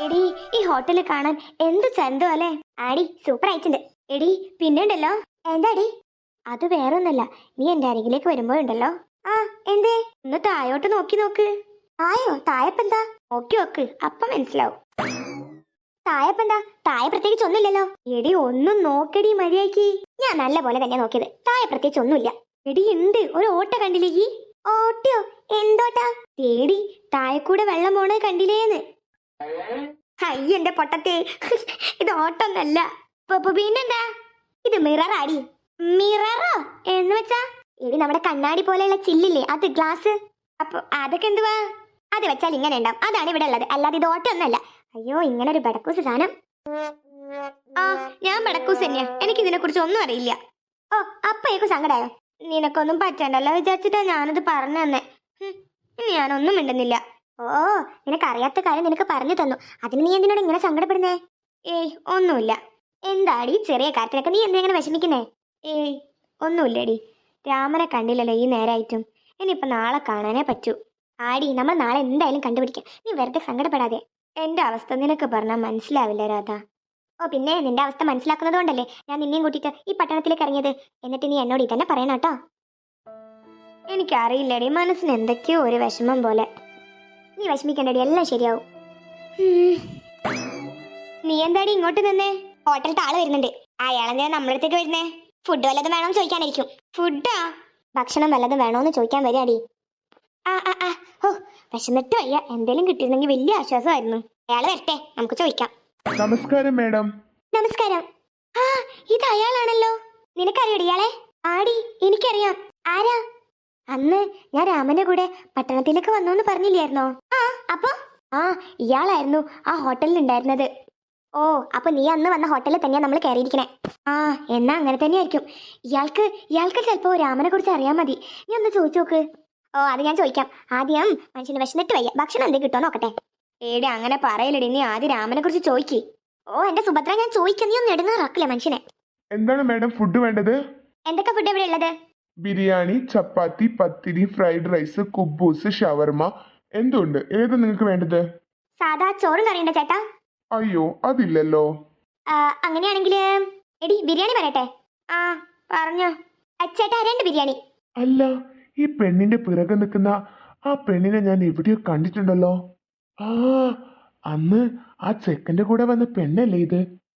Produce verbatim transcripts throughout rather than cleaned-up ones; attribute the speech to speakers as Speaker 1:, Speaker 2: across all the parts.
Speaker 1: എടി ഈ ഹോട്ടല് കാണാൻ എന്ത് ചന്തോ അല്ലേ? ആടി സൂപ്പർ ആയിട്ടുണ്ട്. എടി പിന്നെണ്ടല്ലോ. എന്താടി? അത് വേറൊന്നല്ല, നീ എന്റെ അരികിലേക്ക് വരുമ്പോഴുണ്ടല്ലോ. ആ എന്തേ? ഒന്ന് തായോട്ട് നോക്കി നോക്ക്. തായോ? തായപ്പെന്താ? നോക്കി നോക്ക്, അപ്പം മനസ്സിലാവും. തായപ്പെന്താ? തായ പ്രത്യേകിച്ച് ഒന്നുമില്ലല്ലോ. എടി ഒന്നും നോക്കടി മര്യാദക്ക്. ഞാൻ നല്ല പോലെ തന്നെ നോക്കിയത്. തായ പ്രത്യേകിച്ച് ഒന്നുമില്ല. എടി ഉണ്ട്, ഒരു ഓട്ട കണ്ടില്ലേ ഈ? ഓട്ടയോ? എന്തോട്ടാ? തേടി തായക്കൂടെ വെള്ളം പോണത് കണ്ടില്ലേന്ന്. അയ്യ എന്റെ പൊട്ടത്തെ, ഇത് ഓട്ടൊന്നല്ല. പിന്നെന്താ? ഇത് മിറർ ആടി. മിററോ എന്ന് വെച്ചാ? എടി നമ്മുടെ കണ്ണാടി പോലെയുള്ള ചില്ലില്ലേ, അത് ഗ്ലാസ്. അപ്പൊ അതൊക്കെ എന്തുവാ? അത് വെച്ചാൽ ഇങ്ങനെ ഉണ്ടാവും, അതാണ് ഇവിടെ ഉള്ളത്, അല്ലാതെ ഇത് ഓട്ടൊന്നല്ല. അയ്യോ ഇങ്ങനെ ഒരു ബടക്കൂസ് സാധനം. ആ ഞാൻ ബടക്കൂസ് തന്നെയാ, എനിക്ക് ഇതിനെ കുറിച്ച് ഒന്നും അറിയില്ല. ഓ അപ്പയേക്കും സങ്കടായോ? നിനക്കൊന്നും പറ്റണ്ടല്ലോ വിചാരിച്ചിട്ടാ ഞാനത് പറഞ്ഞു തന്നെ. ഇനി ഞാനൊന്നും മിണ്ടുന്നില്ല. ഓ നിനക്കറിയാത്ത കാര്യം നിനക്ക് പറഞ്ഞു തന്നു, അതിന് നീ എന്തിനോട് ഇങ്ങനെ സങ്കടപ്പെടുന്നേ? ഏയ് ഒന്നുമില്ല. എന്താടി ചെറിയ കാര്യത്തിനൊക്കെ നീ എന്തെങ്ങനെ വിഷമിക്കുന്നേ? ഏയ് ഒന്നുമില്ലടി. രാമനെ കണ്ടില്ലല്ലോ ഈ നേരായിട്ടും. ഇനിയിപ്പൊ നാളെ കാണാനേ പറ്റൂ. ആടി നമ്മൾ നാളെ എന്തായാലും കണ്ടുപിടിക്കാം, നീ വെറുതെ സങ്കടപ്പെടാതെ. എന്റെ അവസ്ഥ നിനക്ക് പറഞ്ഞാൽ മനസ്സിലാവില്ല രാധ. ഓ പിന്നെ നിന്റെ അവസ്ഥ മനസ്സിലാക്കുന്നത് കൊണ്ടല്ലേ ഞാൻ നിന്നെയും കൂട്ടിയിട്ട് ഈ പട്ടണത്തിലേക്ക് ഇറങ്ങിയത്. എന്നിട്ട് നീ എന്നോട് ഇതന്നെ പറയണം കേട്ടോ. എനിക്കറിയില്ലടി, മനസ്സിന് എന്തൊക്കെയോ ഒരു വിഷമം പോലെ. നീ വിഷമിക്കണ്ടടി, എല്ലാം ശരിയാവും. നീ എന്താടി ഇങ്ങോട്ട് നിന്നേ? ഹോട്ടലിൽ ആള് വരുന്നുണ്ട്. അയാളെന്താ നമ്മുടെ അടുത്തേക്ക് വരുന്നേ? ഫുഡ് വല്ലതും വേണോന്ന് ചോദിക്കാനായിരിക്കും. ഫുഡാ? ഭക്ഷണം വല്ലതും വേണോന്ന് ചോദിക്കാൻ വരികയാടി. ആ ആ ആ ഓ വിശന്നിട്ട് വയ്യ, എന്തേലും കിട്ടിയിരുന്നെങ്കിൽ വലിയ ആശ്വാസമായിരുന്നു. അയാള് വരട്ടെ, നമുക്ക് ചോദിക്കാം.
Speaker 2: നമസ്കാരം മാഡം.
Speaker 1: നമസ്കാരം. ആ ഇത് അയാളാണല്ലോ. നിനക്കറിയോടി ഇയാളെ? ആടി എനിക്കറിയാം. ആരാ? അന്ന് ഞാൻ രാമന്റെ കൂടെ പട്ടണത്തിലേക്ക് വന്നോന്ന് പറഞ്ഞില്ലായിരുന്നോ? ആ അപ്പൊ ആ ഇയാളായിരുന്നു ആ ഹോട്ടലിൽ ഉണ്ടായിരുന്നത്. ഓ അപ്പൊ നീ അന്ന് വന്ന ഹോട്ടലിൽ തന്നെയാ നമ്മൾ കയറിയിരിക്കണേ. ആ എന്നാ അങ്ങനെ തന്നെയായിരിക്കും. ഇയാൾക്ക് ഇയാൾക്ക് ചിലപ്പോ രാമനെ കുറിച്ച് അറിയാൻ മതി. നീ ഒന്ന് ചോദിച്ചു നോക്ക്. ഓ അത് ഞാൻ ചോദിക്കാം. ആദ്യം മനുഷ്യന് വിശന്നിട്ട് വയ്യ, ഭക്ഷണം എന്തെങ്കിലും കിട്ടോ നോക്കട്ടെ. ഏടി അങ്ങനെ പറയലടി, നീ ആദ്യം രാമനെ കുറിച്ച് ചോദിക്ക്. ഓ എന്റെ സുഭദ്ര ഞാൻ ചോദിക്കാം, നീ ഒന്നും ഇടുന്നറാക്കില്ല മനുഷ്യനെ.
Speaker 2: എന്താണ് മാഡം ഫുഡ് വേണ്ടത്?
Speaker 1: എന്തൊക്കെ ഫുഡ് ഇവിടെ ഉള്ളത്?
Speaker 2: ബിരിയാണി, ചപ്പാത്തി, പത്തിരി, ഫ്രൈഡ് റൈസ്, കുബൂസ്, ഷവർമ, എന്തുണ്ട്? ഏത് നിങ്ങൾക്ക് വേണ്ടത്?
Speaker 1: സാധാ ചോറും കറിയുണ്ടോ ചേട്ടാ?
Speaker 2: അയ്യോ അതില്ലല്ലോ.
Speaker 1: അങ്ങനെയാണെങ്കിൽ എടി ബിരിയാണി പറയട്ടെ. ആ പറഞ്ഞോ. ചേട്ടാ രണ്ട് ബിരിയാണി.
Speaker 2: അല്ല, ഈ പെണ്ണിന്റെ പിറകെ നിൽക്കുന്ന ആ പെണ്ണിനെ ഞാൻ എവിടെയോ കണ്ടിട്ടുണ്ടല്ലോ. ആ അന്ന് ആ ചെക്കന്റെ കൂടെ വന്ന പെണ്ണല്ലേ ഇത്?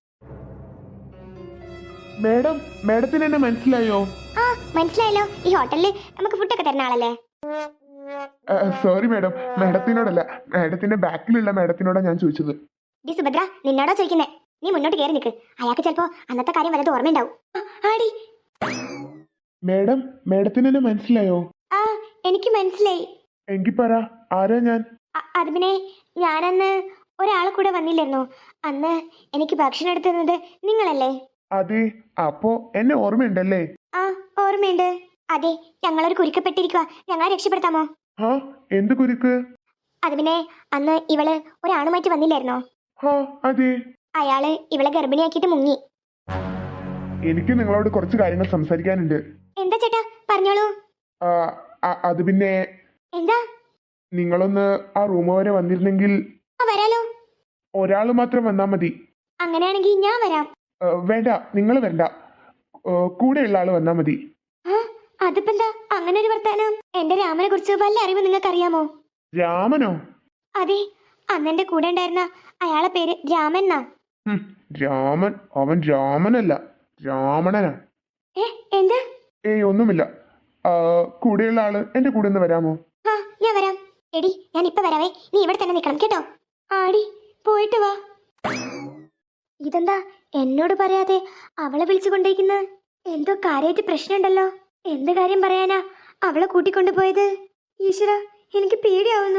Speaker 2: മാഡം, മാഡത്തിന് എന്നെ മനസ്സിലായോ?
Speaker 1: ആ മനസ്സിലായല്ലോ, ഈ ഹോട്ടലിൽ നമുക്ക് ഫുഡൊക്കെ തരുന്ന ആളല്ലേ?
Speaker 2: സോറി മാഡം, മാഡത്തിനോടല്ല, മാഡത്തിന്റെ ബാക്കിലുള്ള മാഡത്തിനോടാ ഞാൻ ചോദിച്ചത്.
Speaker 1: ഡി സുഭദ്ര നിന്നോടാ ചോദിക്കുന്നേ. നീ മുന്നോട്ട് കയറി നിൽക്ക്, അയാൾക്ക് ചിലപ്പോ അന്നത്തെ കാര്യം വല്ലതും ഓർമ്മയുണ്ടാവും. ആടി
Speaker 2: മാഡം, മാഡത്തിന് എന്നെ മനസ്സിലായോ?
Speaker 1: ആ എനിക്ക് മനസ്സിലായി.
Speaker 2: എങ്കി പറ, ആരാ ഞാൻ?
Speaker 1: അത് പിന്നെ ഞാനന്ന് ഒരാളെ കൂടെ വന്നില്ലായിരുന്നോ? അന്ന് എനിക്ക് ഭക്ഷണം എടുത്തുന്നത് നിങ്ങളല്ലേ?
Speaker 2: അതെ, അപ്പോ എന്നെ ഓർമ്മയുണ്ടല്ലേ?
Speaker 1: ആ ഓർമ്മയുണ്ട്. അതെ, ഞങ്ങളൊരു കുരുക്കപ്പെട്ടിരിക്കുക, ഞങ്ങളെ രക്ഷപ്പെടുത്താമോ?
Speaker 2: ഹാ എന്ത് കുരുക്ക്?
Speaker 1: അത് പിന്നെ അന്ന് ഇവള് ഒരാണുമായിട്ട് വന്നില്ലായിരുന്നോ?
Speaker 2: ഹാ അതെ.
Speaker 1: അയാള് ഇവളെ ഗർഭിണിയാക്കിയിട്ട് മുങ്ങി.
Speaker 2: എനിക്ക് നിങ്ങളോട് കുറച്ച് കാര്യങ്ങൾ സംസാരിക്കാനുണ്ട്.
Speaker 1: എന്താ ചേട്ടാ പറഞ്ഞോളൂ.
Speaker 2: അത് പിന്നെ
Speaker 1: എന്താ?
Speaker 2: നിങ്ങളൊന്ന് ആ റൂം വരെ വന്നിരുന്നെങ്കിൽ.
Speaker 1: വരാലോ.
Speaker 2: ഒരാൾ മാത്രം വന്നാ മതി.
Speaker 1: അങ്ങനെയാണെങ്കിൽ ഞാൻ വരാം.
Speaker 2: വേണ്ട, നിങ്ങൾ വരണ്ട, കൂടെയുള്ള ആള് വന്നാ മതി.
Speaker 1: അതിപ്പെന്താ അങ്ങനെ ഒരു വർത്താനം? എന്റെ രാമനെ കുറിച്ച് വല്ല അറിവ് നിങ്ങൾക്ക് അറിയാമോ?
Speaker 2: രാമനോ?
Speaker 1: അതെ, അന്ന് എന്റെ കൂടെ ഉണ്ടായിരുന്ന അയാളെ പേര് രാമൻ എന്നാ.
Speaker 2: രാമൻ? അവൻ രാമനല്ല, രാവണനാ.
Speaker 1: ഏ എന്താ?
Speaker 2: ഏയ് ഒന്നുമില്ല. കൂടെയുള്ള ആള് എന്റെ കൂടെ ഒന്ന് വരാമോ?
Speaker 1: ആ ഞാൻ വരാം. എടി ഞാൻ ഇപ്പൊ വരാവേ, നീ ഇവിടെ തന്നെ നിൽക്കണം കേട്ടോ. ആടി പോയിട്ട് വാ. ഇതെന്താ എന്നോട് പറയാതെ അവളെ വിളിച്ചു കൊണ്ടേക്കുന്ന? എന്തോ കാര്യമായിട്ട് പ്രശ്നമുണ്ടല്ലോ. എന്ത് കാര്യം പറയാനാ അവളെ കൂട്ടിക്കൊണ്ടുപോയത്? ഈശ്വര, എനിക്ക് പേടിയാവുന്നു.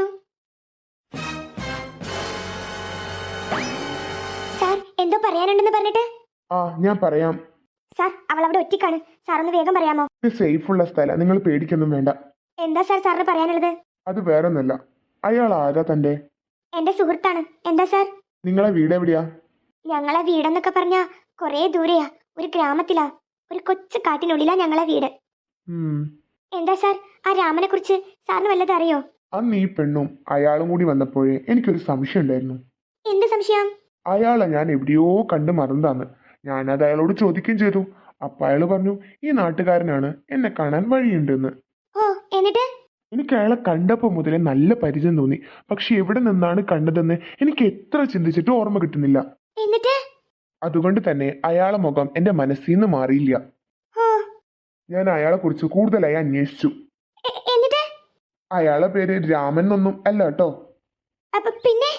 Speaker 1: സാർ എന്തോ പറയാനുണ്ടെന്ന് പറഞ്ഞിട്ട്.
Speaker 2: ആ ഞാൻ പറയാം.
Speaker 1: സാർ അവൾ അവിടെ ഒറ്റയ്ക്കാണ്, സാർ ഒന്ന് വേഗം പറയാമോ?
Speaker 2: സേഫ് ഉള്ള സ്ഥലം, നിങ്ങൾ പേടിക്കൊന്നും വേണ്ട.
Speaker 1: എന്താ സാർ സാറിന് പറയാനുള്ളത്?
Speaker 2: അത് വേറൊന്നല്ല. അയാൾ ആരാ തന്റെ?
Speaker 1: എന്റെ സുഹൃത്താണ്. എന്താ സാർ?
Speaker 2: നിങ്ങളെ വീട് എവിടെയാ? ഞങ്ങളെ
Speaker 1: വീടെന്നൊക്കെ പറഞ്ഞാ കൊറേ ദൂരെയാ, ഒരു ഗ്രാമത്തിലാ, ഒരു കൊച്ചു കാട്ടിനുള്ളിലാ ഞങ്ങളെ വീട്. എന്താ സാർ, ആ രാമനെ കുറിച്ച് സാറിന് വല്ലതും അറിയോ?
Speaker 2: അന്ന് ഈ പെണ്ണും അയാളും കൂടി വന്നപ്പോഴേ എനിക്കൊരു സംശയം ഉണ്ടായിരുന്നു.
Speaker 1: എന്ത് സംശയം?
Speaker 2: അയാളെ ഞാൻ എവിടെയോ കണ്ട് മറന്നതാന്ന്. ഞാനത് അയാളോട് ചോദിക്കുകയും ചെയ്തു. അപ്പൊ അയാൾ പറഞ്ഞു ഈ നാട്ടുകാരനാണ്, എന്നെ കാണാൻ വഴിയുണ്ടെന്ന്.
Speaker 1: ഓ എന്നിട്ട്?
Speaker 2: എനിക്ക് അയാളെ കണ്ടപ്പോൾ മുതലേ നല്ല പരിചയം തോന്നി. പക്ഷെ എവിടെ നിന്നാണ് കണ്ടതെന്ന് എനിക്ക് എത്ര ചിന്തിച്ചിട്ടും ഓർമ്മ കിട്ടുന്നില്ല.
Speaker 1: എന്നിട്ട്?
Speaker 2: അതുകൊണ്ട് തന്നെ അയാളെ മുഖം എന്റെ മനസ്സിൽ നിന്ന് മാറിയില്ല.
Speaker 1: ഓ
Speaker 2: ഞാൻ അയാളെ കുറിച്ച് കൂടുതലായി അന്വേഷിച്ചു.
Speaker 1: എ- എന്നിട്ട്?
Speaker 2: അയാളെ പേര് രാമൻ എന്നൊന്നും അല്ല കേട്ടോ.
Speaker 1: അപ്പൊ പിന്നെ?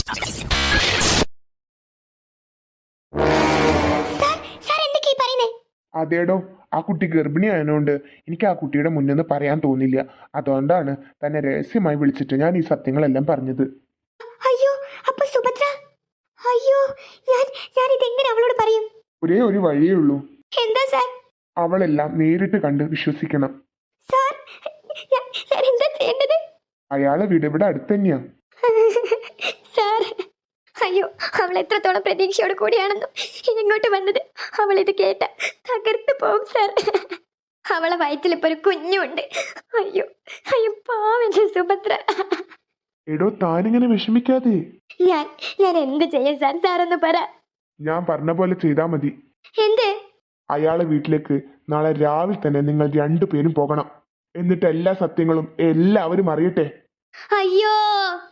Speaker 1: സാർ സാർ എന്തൊക്കെയാ ഈ പറയുന്നേ?
Speaker 2: അതേടോ, ആ കുട്ടി ഗർഭിണിയായതുകൊണ്ട് എനിക്ക് ആ കുട്ടിയുടെ മുന്നിൽ നിന്ന് പറയാൻ തോന്നില്ല. അതുകൊണ്ടാണ് തന്നെ രഹസ്യമായി വിളിച്ചിട്ട് ഞാൻ ഈ സത്യങ്ങളെല്ലാം പറഞ്ഞത്.
Speaker 1: അയ്യോ അപ്പൊ സുഭദ്ര? അയ്യോ ഞാൻ ഞാൻ ഇതെങ്ങനെ അവളോട് പറയും?
Speaker 2: ഒരേ ഒരു വഴിയേ ഉള്ളൂ.
Speaker 1: എന്താ സാർ?
Speaker 2: അവളെല്ലാം നേരിട്ട് കണ്ട് വിശ്വസിക്കണം.
Speaker 1: സാർ ഞാൻ ഞാൻ എന്താ ചെയ്യേണ്ടത്?
Speaker 2: അയാളെ വീട് ഇവിടെ അടുത്ത് തന്നെയാ.
Speaker 1: സാർ അയ്യോ അവൾ എത്രത്തോളം പ്രതീക്ഷയോട് കൂടിയാണെന്നും ഇങ്ങോട്ട് വന്നത്. അവൾ ഇത് കേട്ട തകർത്തു പോകും സാർ. അവളെ വയറ്റിൽ ഇപ്പൊ ഒരു കുഞ്ഞുണ്ട്. അയ്യോ അയ്യോ പാവന്റെ സുഭദ്ര.
Speaker 2: എടോ, താനിങ്ങനെ വിഷമിക്കാതെ.
Speaker 1: ഞാൻ ഞാൻ എന്ത് ചെയ്യും സാർ? സാർ ഒന്ന് പറ.
Speaker 2: ഞാൻ പറഞ്ഞ പോലെ ചെയ്താൽ മതി.
Speaker 1: എന്ത്?
Speaker 2: അയാളെ വീട്ടിലേക്ക് നാളെ രാവിലെ തന്നെ നിങ്ങൾ രണ്ടുപേരും പോകണം. എന്നിട്ട് എല്ലാ സത്യങ്ങളും എല്ലാവരും അറിയട്ടെ.
Speaker 1: അയ്യോ